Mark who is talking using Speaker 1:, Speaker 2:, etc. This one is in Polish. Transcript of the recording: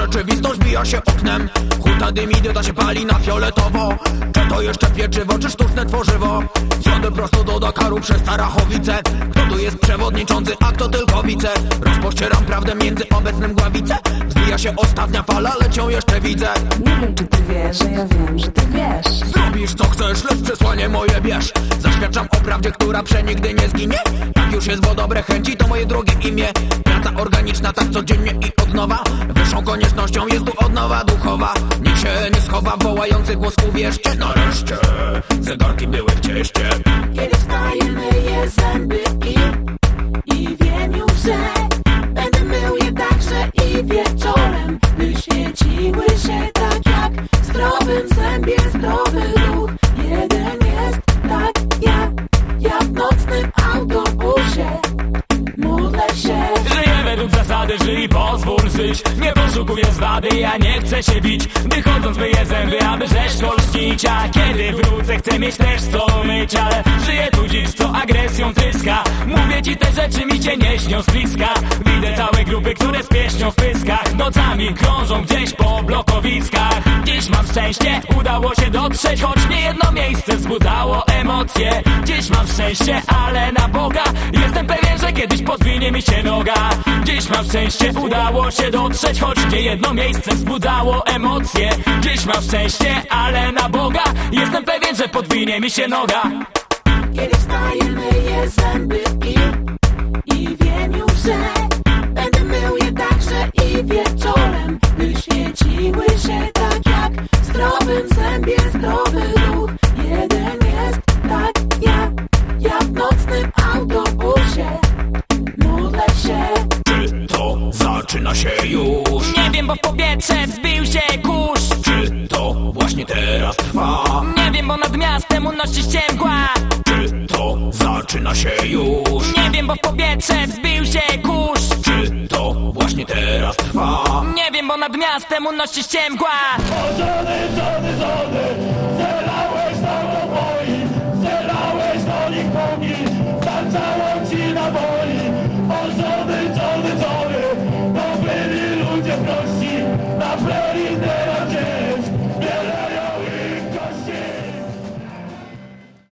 Speaker 1: rzeczywistość bija się oknem. Huta dym, idiota się pali na fioletowo. Czy to jeszcze pieczywo, czy sztuczne tworzywo? Jadę prosto do Dakaru przez Starachowice. Kto tu jest przewodniczący, a kto tylko wice? Rozpościeram prawdę między obecnym Gławicę. Wzbija się ostatnia fala, lecz ją jeszcze widzę.
Speaker 2: Nie wiem, czy ty wiesz, że ja wiem, że ty wiesz.
Speaker 1: Zrobisz co chcesz, lecz przesłanie moje bierz. Zaświadczam o prawdzie, która przenigdy nie zginie. Tak już jest, bo dobre chęci to moje drugie imię. Praca organiczna, tak codziennie i od nowa. Wyższą koniecznością jest tu odnowa duchowa. Nikt się nie schowa, wołający głos uwierzcie. Nareszcie zegarki były w cieście.
Speaker 3: Kiedy wstaję, myję zęby i wiem już, że będę mył je także i wieczorem, by świeciły się tak jak w zdrowym zębie zdrowy ruch. Jeden jest tak jak w nocnym autobusie. Modlę się.
Speaker 4: Żyję według zasady, żyj, pozwól żyć. Nie poszukuję zwady, ja nie chcę się bić. Wychodząc myję zęby, aby rzeźko lśnić. A kiedy wrócę, chcę mieć też co myć. Ale żyję tu dziś, co agresją tryska. Mówię ci, te rzeczy mi się nie śnią z bliska. Widzę całe grupy, które z pieśnią w pyskach nocami krążą gdzieś po blokowiskach. Dziś mam szczęście, udało się dotrzeć, choć nie jedno miejsce wzbudzało emocje. Dziś mam szczęście, ale na Boga jestem pewien, że kiedyś podwinie mi się noga. Dziś mam szczęście, udało się dotrzeć, choć nie jedno miejsce wzbudzało emocje. Dziś mam szczęście, ale na Boga jestem pewien, że podwinie mi się noga.
Speaker 3: Kiedy wstaję, myję zęby i wiem już, że będę mył je także i wieczorem, by świeciły się tak jak w zdrowym zębie zdrowy ruch. Jeden jest tak jak w nocnym autobusie. Modlę się.
Speaker 1: Czy to zaczyna się już?
Speaker 4: Nie wiem, bo w powietrze wzbił się kurz.
Speaker 1: Czy to właśnie teraz trwa?
Speaker 4: Nie wiem, bo nad miastem unosi się mgła.
Speaker 1: Czy to zaczyna się już?
Speaker 4: Nie wiem, bo w powietrze wzbił się kurz.
Speaker 1: Czy to właśnie teraz trwa?
Speaker 4: Nie wiem, bo nad miastem unosi się mgła.